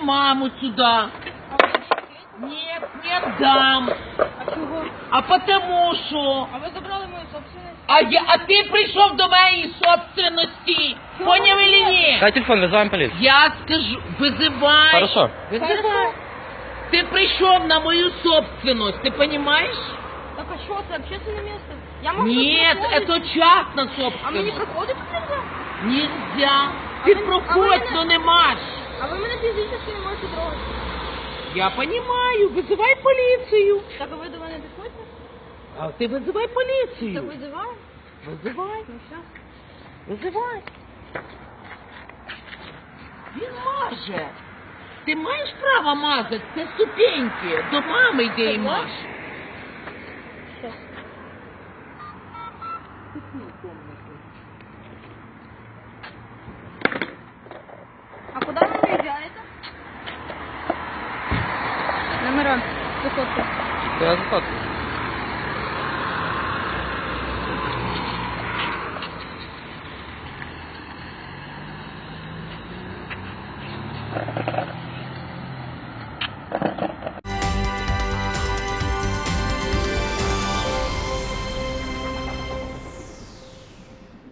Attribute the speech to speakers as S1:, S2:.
S1: маму сюда. Нет, не отдам.
S2: А чого?
S1: А потому що...
S2: А ви забрали мою собственность?
S1: А ти прийшов до моєї собственності.
S2: Чого
S1: Поняв
S2: ні?
S1: или ні?
S3: Дай телефон, вызываем полицию.
S1: Я скажу, визивай.
S3: Хорошо.
S1: Визивай.
S2: Хорошо.
S1: Ти прийшов на мою собственность, ти понимаешь?
S2: Так а що, це общественне місце? Я можу
S1: Нет,
S2: тут проходити?
S1: это частна
S2: А мені
S1: собственность.
S2: проходити нельзя?
S1: Нельзя.
S2: А
S1: Ти
S2: ви-
S1: проходь,
S2: а ви
S1: но не маш.
S2: А ви мене фізично не можете трогати.
S1: Я понимаю, вызывай полицию.
S2: Так а ви до мене підходите?
S1: А ты вызывай
S2: Так
S1: полицию.
S2: визиваю.
S1: Вызывай,
S2: Ну все.
S1: вызывай. Він маже. Ти маєш право мазати, це ступеньки. До мами йди і маж.
S2: Щас. А куди ви виїжджаєте? Номера. Висотка.
S3: Я заходку.